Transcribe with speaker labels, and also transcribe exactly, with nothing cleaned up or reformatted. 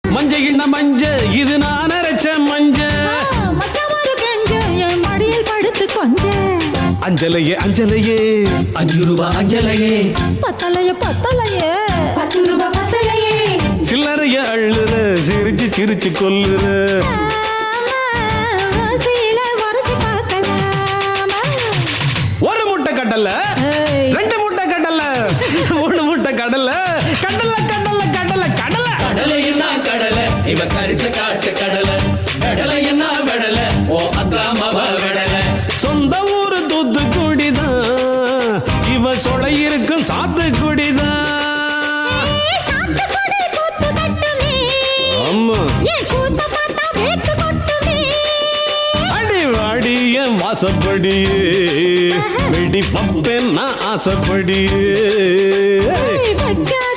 Speaker 1: மஞ்ச கிண்ண மஞ்ச இது நான் அரைச்ச மஞ்ச
Speaker 2: மச்சமாரு கெஞ்ச என் மடியில் படுத்து கொஞ்ச
Speaker 1: அஞ்சலையே அஞ்சலையே
Speaker 3: அஞ்சு ரூபா அஞ்சலையே
Speaker 2: பத்தலையே பத்தலையே
Speaker 4: பத்து ரூபாய் பத்தலையே
Speaker 1: சில்லறைய அள்ளுற சிரிச்சு சிரிச்சு கொல்லுற
Speaker 2: சீல வரசி பார்க்கலாமா
Speaker 1: ஒரு முட்டை கடலை ரெண்டு முட்டை கடலை மூணு முட்டை கடலை கடலை கடலை கடலை கடலை
Speaker 3: கடலை என்ன கடலை இவ கரிச காட்டு கடலை கடலை என்ன வெடலை ஓ அக்கா மவ வெடலை
Speaker 1: சொந்த ஊரு தூத்துக்குடிதான் இவ சொலை இருக்கும் சாத்துக்குடிதான்
Speaker 2: சாத்துக்குடி கூத்து கட்டுமே
Speaker 1: ஆமா
Speaker 2: ஏன் கூத்த பார்த்தா வேத்து கொட்டுமே
Speaker 1: அடி வாடி என் வாசப்படியே வெடி பப்பேன் நான் ஆசைப்படியே
Speaker 2: வைக்க